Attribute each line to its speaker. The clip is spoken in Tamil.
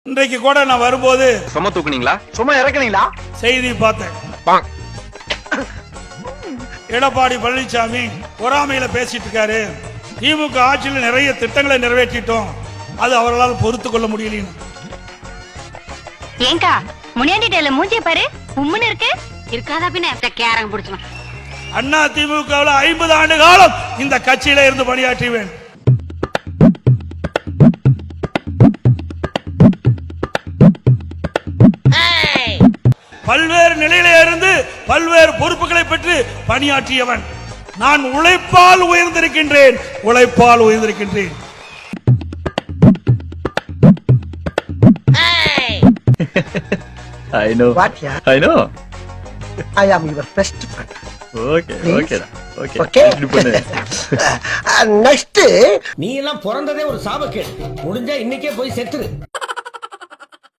Speaker 1: இன்றைக்கு கூட நான் வரும்போது
Speaker 2: சும்மா தூக்குனீங்களா சும்மா இறக்குனீங்களா
Speaker 1: செய்தி பார்த்தேன். எடப்பாடி பழனிசாமி பொறாமையில பேசிட்டு இருக்காரு. திமுக ஆட்சியில் நிறைய திட்டங்களை நிறைவேற்றிட்டோம், அது அவர்களால் பொறுத்து கொள்ள முடியல.
Speaker 3: ஏங்கா முனியாண்டி டேல மூஞ்சிய பாரு, உம்முன்னு இருக்கு. இருக்காதா பின்ன கேரங்க புடிச்சலாம்.
Speaker 1: அண்ணா திமுகவில் 50 ஆண்டு காலம் இந்த கட்சியில இருந்து பணியாற்றுவேன். பல்வேறு நிலையில இருந்து பல்வேறு பொறுப்புகளை பெற்று பணியாற்றியவன். நான் உழைப்பால் உயர்ந்திருக்கின்றேன், உழைப்பால் உயர்ந்திருக்கின்றேன்.
Speaker 4: I know.
Speaker 5: What, yeah?
Speaker 4: I know.
Speaker 5: I am your best friend.
Speaker 4: Okay, okay, okay.
Speaker 5: Okay?
Speaker 4: இது பண்ணு.
Speaker 5: Next,
Speaker 6: நீ எல்லாம் பிறந்ததே ஒரு சாபக்கேடு. முடிஞ்சா இன்னைக்கே போய் செத்துரு.